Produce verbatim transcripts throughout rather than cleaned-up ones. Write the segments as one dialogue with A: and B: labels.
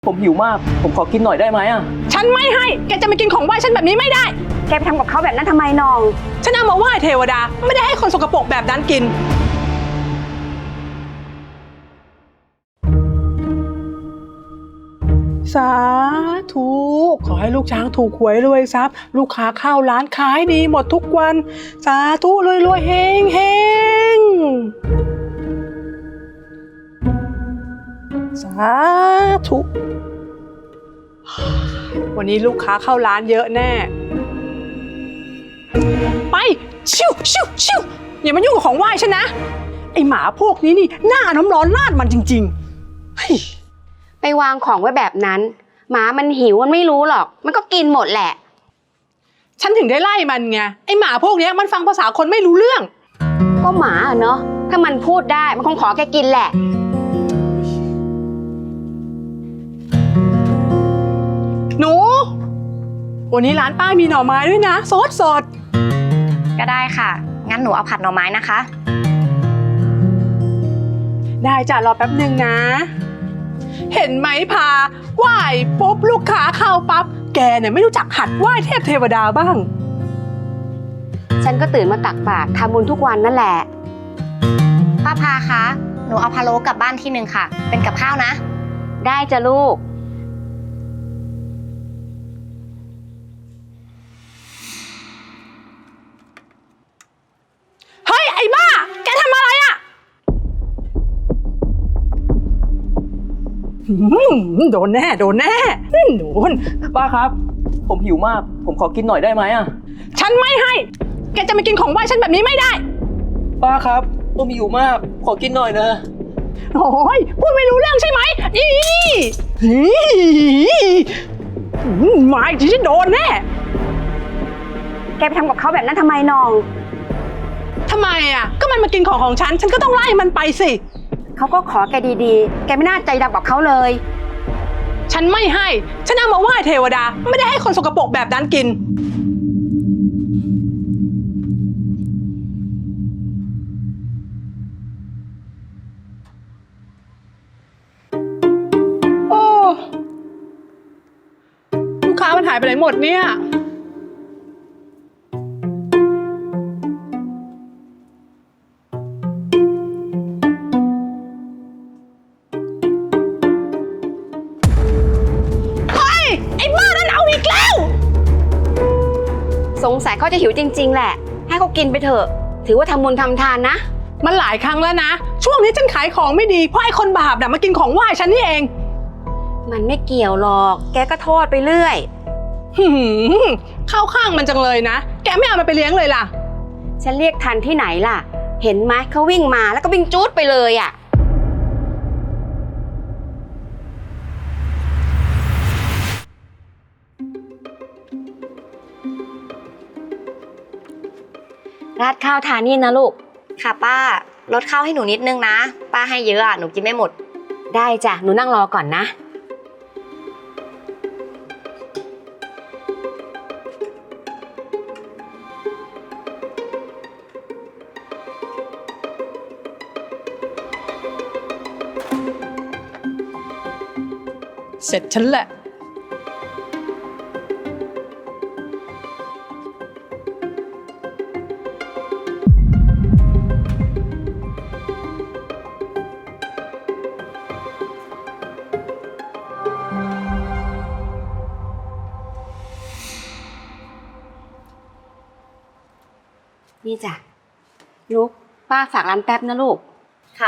A: ผมหิวมาก ผมขอกินหน่อยได้ไหมอ่ะ
B: ฉันไม่ให้ แกจะมากินของไหว้ฉันแบบนี้ไม่ได้
C: แกไปทำกับเขาแบบนั้นทำไมน้อง
B: ฉันเอามาไหว้เทวดา ไม่ได้ให้คนสกปรกแบบนั้นกิน สาธุ ขอให้ลูกช้างถูกหวยรวยทรัพย์ ลูกค้าเข้าร้านขายดีหมดทุกวัน สาธุรวยรวยเฮงเฮงสาธุ วันนี้ลูกค้าเข้าร้านเยอะแน่ ไป ชิวชิวชิวอย่ามายุ่งกับของไหว้ฉันนะ ไอหมาพวกนี้นี่หน้าน้ำร้อนราดมันจริงๆเฮ้ย
C: ไปวางของไว้แบบนั้น หมามันหิวมันไม่รู้หรอก มันก็กินหมดแหละ
B: ฉันถึงได้ไล่มันไง ไอหมาพวกนี้มันฟังภาษาคนไม่รู้เรื่อง
C: ก็หมาอะเนาะ ถ้ามันพูดได้มันคงขอแกกินแหละ
B: หนู วันนี้ร้านป้ามีหน่อไม้ด้วยนะสดสด
D: ก็ได้ค่ะ งั้นหนูเอาผัดหน่อไม้นะคะ
B: ได้จ้ะรอแป๊บหนึ่งนะ เห็นไหมพาไหว้ปุ๊บลูกค้าเข้าปั๊บ แกเนี่ยไม่รู้จักหัดไหว้เทพเทวดาบ้าง
C: ฉันก็ตื่นมาตักบาตรทำบุญทุกวันนั่นแหละ
D: ป้าพาคะ หนูเอาพะโล้กลับบ้านที่หนึ่งค่ะ เป็นกับข้าวนะ
C: ได้จ้ะลูก
B: เฮ้ยไอ้บ้า แกทำอะไรอะหืมโดนแน่โดนแน่โดน
A: ป้าครับ ผมหิวมาก ผมขอกินหน่อยได้ไหมอ่ะ
B: ฉันไม่ให้ แกจะมากินของไหว้ฉันแบบนี้ไม่ได้
A: ป้าครับ ผมหิวมาก ขอกินหน่อยนะ
B: โอ้ยพูดไม่รู้เรื่องใช่ไหมอีอีมาอีกทีฉันโดนแน่
C: แกไปทำกับเขาแบบนั้นทำไมน้อง
B: ทำไมอ่ะ ก็มันมากินของของฉัน ฉันก็ต้องไล่มันไปสิ
C: เขาก็ขอแกดีๆ แกไม่น่าใจดำกับเขาเลย
B: ฉันไม่ให้ ฉันเอามาไหว้เทวดา ไม่ได้ให้คนสกปรกแบบนั้นกิน โอ้ ลูกค้ามันหายไปไหนหมดเนี่ย เฮ้ย ไอ้บ้านั่นเอาอีกแล้ว
C: สงสัยเขาจะหิวจริงๆแหละ ให้เขากินไปเถอะ ถือว่าทำบุญทำทานนะ
B: มันหลายครั้งแล้วนะ ช่วงนี้ฉันขายของไม่ดี เพราะไอ้คนบาปน่ะมากินของไหว้ฉันนี่เอง
C: มันไม่เกี่ยวหรอก แกก็โทษไปเรื่อย
B: หืมเข้าข้างมันจังเลยนะ แกไม่เอามันไปเลี้ยงเลยล่ะ
C: ฉันเรียกทันที่ไหนล่ะ เห็นไหมเขาวิ่งมาแล้วก็วิ่งจู๊ดไปเลยอ่ะ ราดข้าวทานนี่นะลูก
D: ค่ะป้า ลดข้าวให้หนูนิดนึงนะ ป้าให้เยอะอ่ะ หนูกินไม่หมด
C: ได้จ้ะ หนูนั่งรอก่อนนะ
B: เสร็จฉันแหละ
C: นี่จ้ะลูกป้าฝากร้านแป๊บนะลูก
D: ค่ะ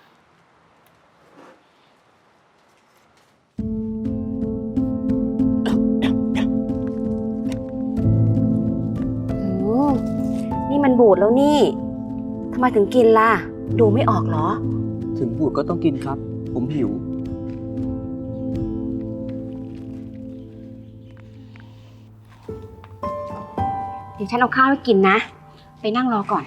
C: โอ้นี่มันบูดแล้วนี่ ทำไมถึงกินล่ะ ดูไม่ออกเหรอ
A: ถึงบูดก็ต้องกินครับ ผมหิว
C: เดี๋ยวฉันเอาข้าวให้กินนะ ไปนั่งรอก่อน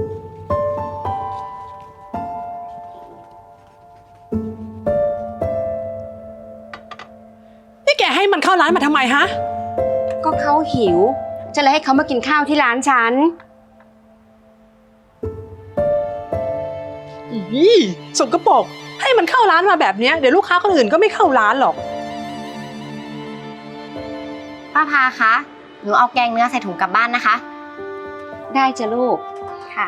B: นี่แกให้มันเข้าร้านมาทำไมฮะ
C: ก็เขาหิว จะเลยให้เขามากินข้าวที่ร้านฉัน
B: อีสกปรกให้มันเข้าร้านมาแบบเนี้ยเดี๋ยวลูกค้าคนอื่นก็ไม่เข้าร้านหรอก
D: ป้าพาคะ หนูเอาแกงเนื้อใส่ถุงกลับบ้านนะคะ
C: ได้จ้ะลูก
D: ค่ะ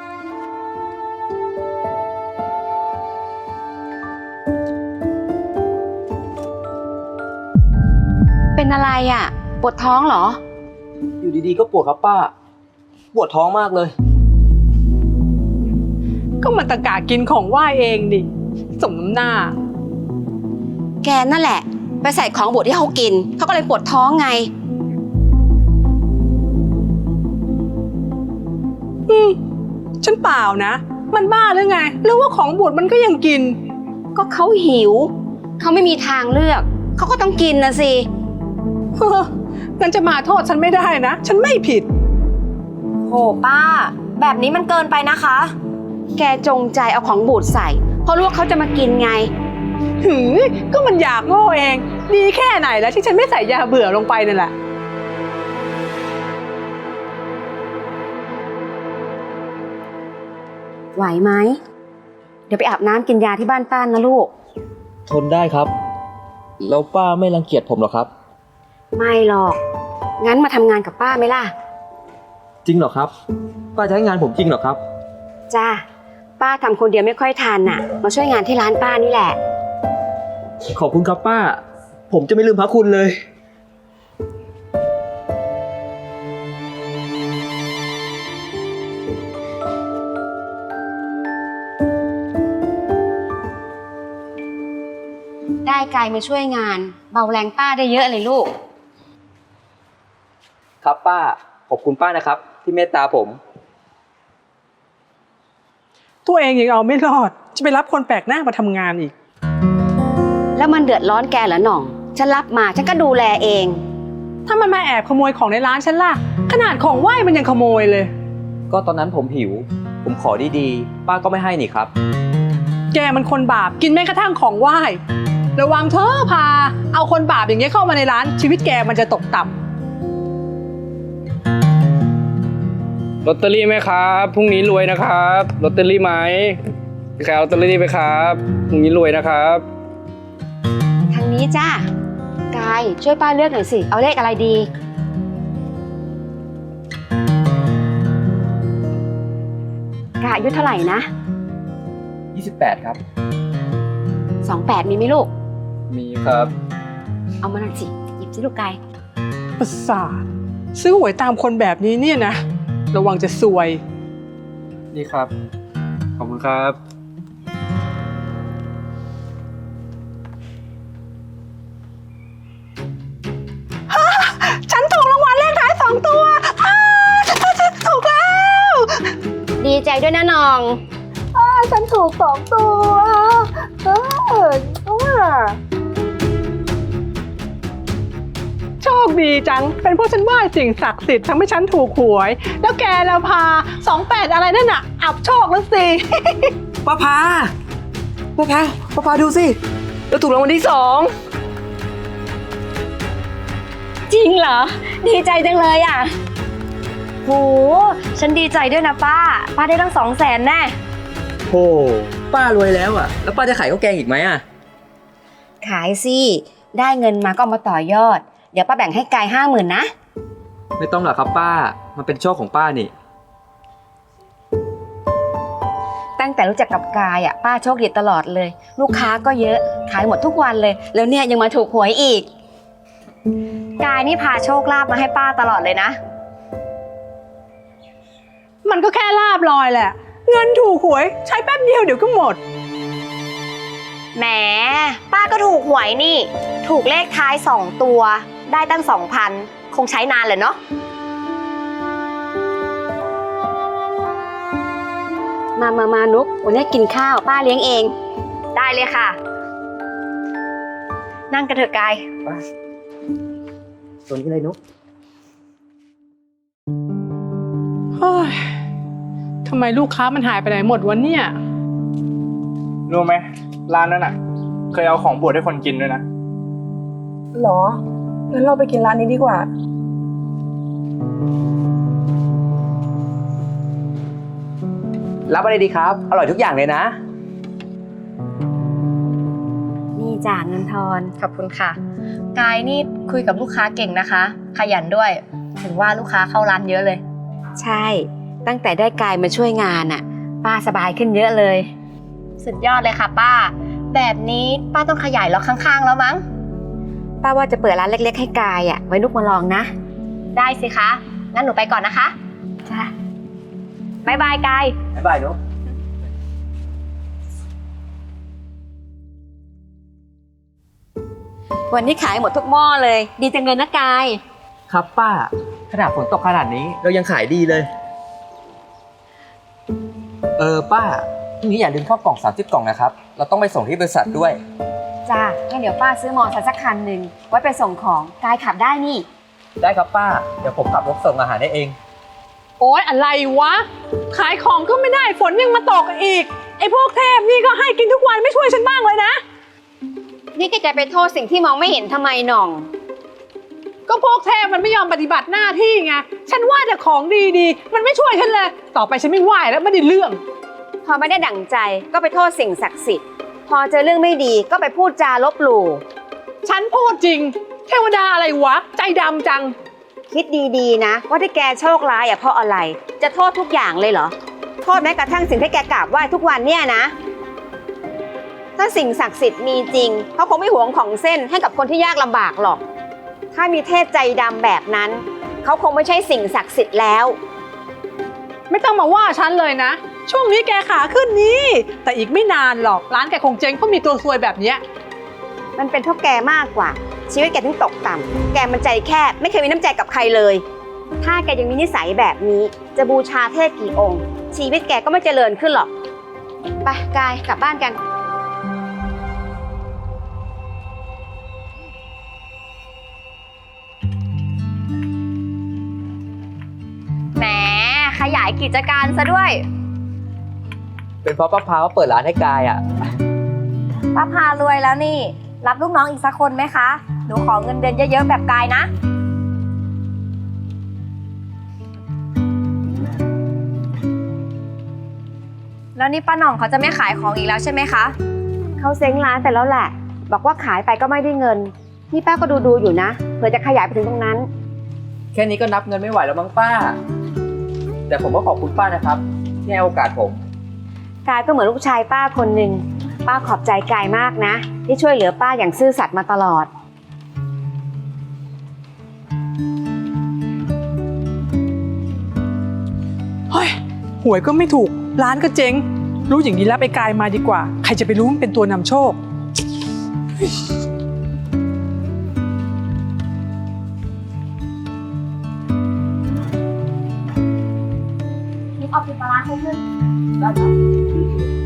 C: เป็นอะไรอ่ะ ปวดท้องเหรอ
A: อยู่ดีๆก็ปวดครับป้า ปวดท้องมากเลย
B: ก็มันตะกะกินของไหว้เองดิสมน้ำหน้า
C: แกนั่นแหละ ไปใส่ของบดที่เขากิน เขาก็เลยปวดท้องไง
B: อืมฉันเปล่านะ มันบ้าหรือไง หรือว่าของบูดมันก็ยังกิน
C: ก็เขาหิว เขาไม่มีทางเลือก เขาก็ต้องกินนะสิ
B: เฮ้องั้นจะมาโทษฉันไม่ได้นะ ฉันไม่ผิด
D: โหป้า แบบนี้มันเกินไปนะคะ
C: แกจงใจเอาของบูดใส่ เพราะรู้ว่าเขาจะมากินไง
B: หือก็มันอยากโง่เอง ดีแค่ไหนแล้วที่ฉันไม่ใส่ยาเบื่อลงไปนั่นแหละ
C: ไหวไหม เดี๋ยวไปอาบน้ำกินยาที่บ้านป้านนะลูก
A: ทนได้ครับ แล้วป้าไม่รังเกียจผมหรอครับ
C: ไม่หรอก งั้นมาทำงานกับป้าไหมล่ะ
A: จริงเหรอครับ ป้าจะให้งานผมจริงเหรอครับ
C: จ้า ป้าทำคนเดียวไม่ค่อยทันน่ะ มาช่วยงานที่ร้านป้านี่แหละ
A: ขอบคุณครับป้า ผมจะไม่ลืมพระคุณเลย
C: ได้ไกลมาช่วยงาน เบาแรงป้าได้เยอะเลยลูก
A: ครับป้า ขอบคุณป้านะครับ ที่เมตตาผม
B: ตัวเองยังเอาไม่รอด จะไปรับคนแปลกหน้ามาทำงานอีก
C: แล้วมันเดือดร้อนแกเหรอหน่อง ฉันรับมาฉันก็ดูแลเอง
B: ถ้ามันมาแอบขโมยของในร้านฉันล่ะ ขนาดของไหว้มันยังขโมยเลย
A: ก็ตอนนั้นผมหิว ผมขอดีๆ ป้าก็ไม่ให้นี่ครับ
B: แกมันคนบาปกินแม้กระทั่งของไหว้ ระวังเธอพา เอาคนบาปอย่างเงี้ยเข้ามาในร้าน ชีวิตแกมันจะตกต่ำ
E: ลอตเตอรี่ไหมครับพรุ่งนี้รวยนะครับลอตเตอรี่ไหมใครเอาลอตเตอรี่ไปครับพรุ่งนี้รวยนะครับ
C: ทางนี้จ้า กายช่วยป้าเลือกหน่อยสิ เอาเลขอะไรดี กายอายุเท่าไหร่นะ
A: ยี่สิบแปด ครับ
C: สองแปดมีไหมลูก
E: มีครับ
C: เอามาหน่อยสิ หยิบสิลูกกาย
B: ประสาทซื้อหวยตามคนแบบนี้เนี่ยนะ ระวังจะซวย
E: นี่ครับขอบคุณครับ
B: ฉันถูกรางวัลเลขท้ายสองตัวอ้าฉันฉันถูกแล้ว
C: ดีใจด้วยนะน้อง
B: อ้าฉันถูกสองตัวเออโชคดีจัง เป็นเพราะฉันไหว้สิ่งศักดิ์สิทธิ์ทำให้ฉันถูกหวย แล้วแกแล้วพาสองแปดอะไรนั่นน่ะ อับโชคแล้วสิ
A: ป้าพา ป้าพา ป้าพาดูสิเราถูกรางวัลที่สอง
C: จริงเหรอ ดีใจจังเลยอ่ะโหฉันดีใจด้วยนะป้า ป้าได้ตั้งสองแสนแน่
A: โอ้ป้ารวยแล้วอ่ะ แล้วป้าจะขายข้าวแกงอีกไหมอ่ะ
C: ขายสิ ได้เงินมาก็เอามาต่อยอด เดี๋ยวป้าแบ่งให้กายห้าหมื่นนะ
A: ไม่ต้องหรอกครับป้า มันเป็นโชคของป้านี่
C: ตั้งแต่รู้จักกับกายอ่ะป้าโชคดีตลอดเลย ลูกค้าก็เยอะ ขายหมดทุกวันเลย แล้วเนี่ยยังมาถูกหวยอีก
D: กายนี่พาโชคลาภมาให้ป้าตลอดเลยนะ
B: มันก็แค่ลาบลอยแหละ เงินถูกหวยใช้แป๊บเดียวเดี๋ยวก็หมด
D: แหม ป้าก็ถูกหวยนี่ ถูกเลขท้ายสองตัว ได้ตั้งสองพัน คงใช้นานเลยเนาะ
C: มามามานุกวันนี้กินข้าวป้าเลี้ยงเอง
D: ได้เลยค่ะ นั่งกันเถอะกาย
A: ส่วนนี้เลยนุ๊ก
B: เฮ้ย ทำไมลูกค้ามันหายไปไหนหมดวะเนี่ย
E: รู้ไหมร้านนั้นอ่ะ เคยเอาของบวชให้คนกินด้วยนะ
F: หรอ งั้นเราไปกินร้านนี้ดีกว่า
A: รับอะไรดีครับ อร่อยทุกอย่างเลยนะ
C: นี่จ้าเงินทอน
D: ขอบคุณค่ะ กายนี่คุยกับลูกค้าเก่งนะคะ ขยันด้วย ถึงว่าลูกค้าเข้าร้านเยอะเลย
C: ใช่ ตั้งแต่ได้กายมาช่วยงานอะป้าสบายขึ้นเยอะเลย
D: สุดยอดเลยค่ะป้า แบบนี้ป้าต้องขยายล็อกข้างๆแล้วมั้ง
C: ป้าว่าจะเปิดร้านเล็กๆให้กายอะไว้ลูกมาลองนะ
D: ได้สิคะ งั้นหนูไปก่อนนะคะ
C: จ้า
D: บ๊ายบายกาย
A: บ๊ายบายนุ๊ก
C: วันนี้ขายหมดทุกหม้อเลย ดีจังเลยนะกาย
A: ครับป้า ขนาดฝนตกขนาดนี้เรายังขายดีเลย เออป้าพรุ่งนี้อย่าลืมข้าวกล่องสามสิบกล่องนะครับ เราต้องไปส่งที่บริษัทด้วย
C: จ้างั้นเดี๋ยวป้าซื้อมอเตอร์ไซค์สักคันหนึ่งไว้ไปส่งของกายขับได้นี่
A: ได้ครับป้า เดี๋ยวผมขับรถส่งอาหารได้เอง
B: โอ๊ยอะไรวะ ขายของก็ไม่ได้ฝนยังมาตกอีก ไอ้พวกเทพนี่ก็ให้กินทุกวันไม่ช่วยฉันบ้างเลยนะ
C: นี่แกจะไปโทษสิ่งที่มองไม่เห็นทำไมหน่อง
B: ก็พวกเทพมันไม่ยอมปฏิบัติหน้าที่ไง ฉันว่าแต่ของดีๆ มันไม่ช่วยฉันเลย ต่อไปฉันไม่ไหวแล้วไม่ได้เรื่อง
C: พอไม่ได้ดั่งใจก็ไปโทษสิ่งศักดิ์สิทธิ์ พอเจอเรื่องไม่ดีก็ไปพูดจาลบหลู่
B: ฉันพูดจริง เทวดาอะไรวะ ใจดำจัง
C: คิดดีๆนะ ว่าที่แกโชคร้ายอ่ะเพราะอะไร จะโทษทุกอย่างเลยเหรอ โทษแม้กระทั่งสิ่งที่แกกราบไหว้ทุกวันเนี่ยนะ ถ้าสิ่งศักดิ์สิทธิ์มีจริงเขาคงไม่หวงของเส้นให้กับคนที่ยากลำบากหรอก ถ้ามีเทพใจดำแบบนั้นเขาคงไม่ใช่สิ่งศักดิ์สิทธิ์แล้ว
B: ไม่ต้องมาว่าฉันเลยนะ ช่วงนี้แกขาขึ้นนี้ แต่อีกไม่นานหรอก ร้านแกคงเจ๊งเพราะมีตัวซวยแบบเนี้ย
C: มันเป็นเพราะแกมากกว่า ชีวิตแกถึงตกต่ำแกมันใจแคบไม่เคยมีน้ำใจกับใครเลย ถ้าแกยังมีนิสัยแบบนี้จะบูชาเทพกี่องค์ ชีวิตแกก็ไม่เจริญขึ้นหรอกไปกายกลับบ้านกัน
D: แหม ขยายกิจการซะด้วย
A: เป็นเพราะป้าพาว่าเปิดร้านให้กายอ่ะ
D: ป้าพารวยแล้วนี่ รับลูกน้องอีกสักคนไหมคะ หนูขอเงินเดือนเยอะๆแบบกายนะ แล้วนี่ป้าหน่องเขาจะไม่ขายของอีกแล้วใช่ไหมคะ
C: เขาเซ้งร้านแต่แล้วแหละ บอกว่าขายไปก็ไม่ได้เงิน นี่ป้าก็ดูดูๆอยู่นะเผื่อจะขยายไปถึงตรงนั้น
A: แค่นี้ก็นับเงินไม่ไหวแล้วมั้งป้า แต่ผมก็ขอบคุณป้านะครับที่ให้โอกาสผม
C: กายก็เหมือนลูกชายป้าคนหนึ่งป้าขอบใจกายมากนะ ที่ช่วยเหลือป้าอย่างซื่อสัตย์มาตลอด
B: เฮ้ย หวยก็ไม่ถูก ร้านก็เจ๊ง รู้อย่างนี้แล้วไปกายมาดีกว่า ใครจะไปรู้มันเป็นตัวนำโชค
C: นี่เอาปิดปลาร้าให้ขึ้น
A: ได้ครับ